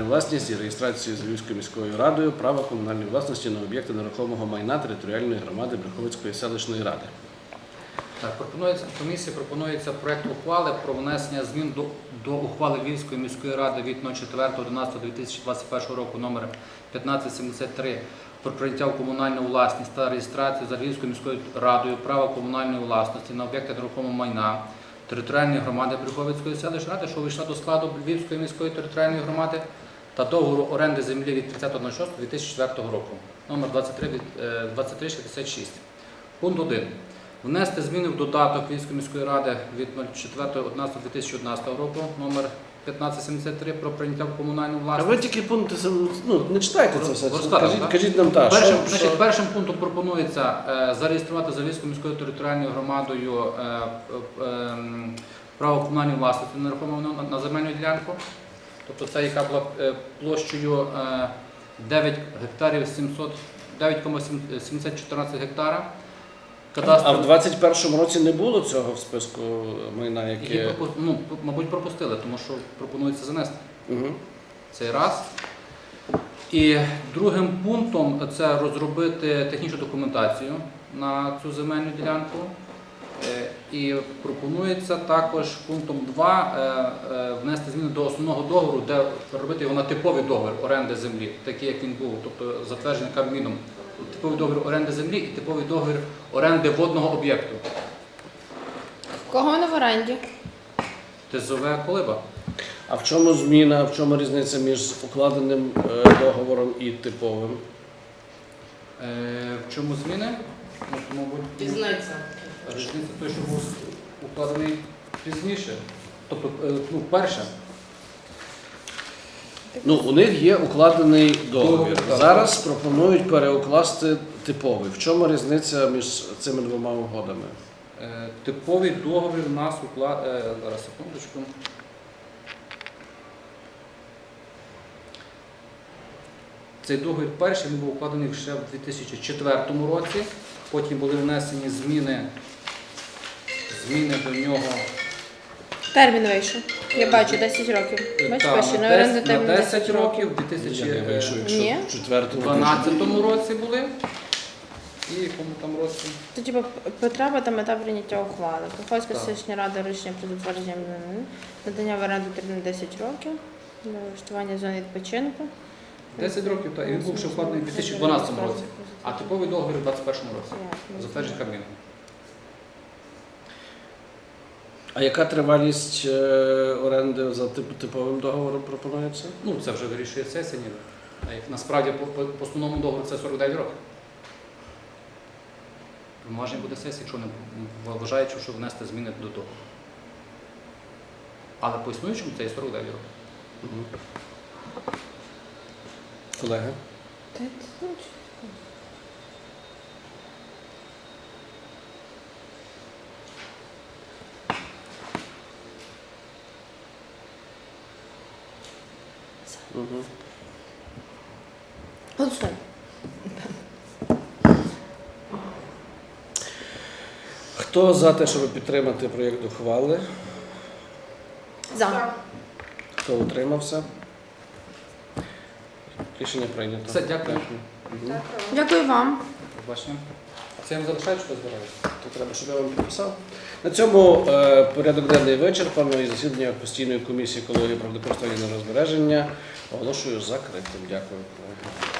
власність і реєстрацію за Львівською міською радою права комунальної власності на об'єкти нерухомого майна територіальної громади Брюховицької селищної ради. Так, комісії пропонується проект ухвали про внесення змін до ухвали Львівської міської ради від 04.11.2021 року номер 1573 про прийняття в комунальну власність та реєстрацію за Львівською міською радою права комунальної власності на об'єкти нерухомого майна територіальної громади Брюховицької селищної ради, що увійшла до складу Львівської міської територіальної громади, та договору оренди землі від 30.06.2004 року номер 2366. Пункт 1. Внести зміни в додаток Львівської міської ради від 04.11.2011 року номер 1573 про прийняття в комунальну А власність. ви тільки пункти, не читайте це все, Розказуємо, так? кажіть нам так. Першим пунктом пропонується зареєструвати за Львівською міською територіальною громадою право комунальної власності нерухомого на земельну ділянку. Тобто це яка була площею 9,714 гектара. А в 2021 році не було цього в списку майна, яке... Мабуть, пропустили, тому що пропонується занести. Угу. Цей раз. І другим пунктом це розробити технічну документацію на цю земельну ділянку. І пропонується також пунктом 2 внести зміни до основного договору, де робити його на типовий договір оренди землі, такий як він був, тобто затверджений Кабміном. Типовий договір оренди землі і типовий договір оренди водного об'єкту. В кого вони в оренді? ТЗВ «Колиба». А в чому зміна, в чому різниця між укладеним договором і типовим? В чому зміни? Мабуть, Різниця. Різниця той, що був укладений пізніше. Тобто, перше. У них є укладений договір. Так. Зараз пропонують переукласти типовий. В чому різниця між цими двома угодами? Типовий договір у нас укладений... Зараз, секундочку. Цей договір перший був укладений ще в 2004 році. Потім були внесені зміни до нього. Термін вийшов. Я бачу 10 років. Бачиш, пише, на оренду термін 10 років, в 2012 році були. І в якому там році? Це типу потреба та мета прийняття ухвали. Брюховицька Так. селищна рада рішення про затвердження надання в оренду термін 10 років для влаштування зони відпочинку. 10 років, так. І він був ще вкладений в 2012 році, а типовий договір у 2021 році. Затверджений Кабміном. А яка тривалість оренди за типовим договором пропонується? Це вже вирішує сесія. Насправді, по основному договору це 49 років. Повноваження буде сесія, якщо не вважаючи, що внести зміни до того. Але по існуючому це і 49 років. Угу. Колеги? Угу. Голосуємо. Хто за те, щоб підтримати проєкт ухвали? За. Хто утримався? Рішення прийнято. Все, дякую. Угу. Дякую вам. Побачення. Це я вам залишаю, що збираю? То треба, щоб я вам підписав. На цьому порядок денний вичерпано і засідання постійної комісії екології, природокористування і нерозбереження оголошую закритим. Дякую.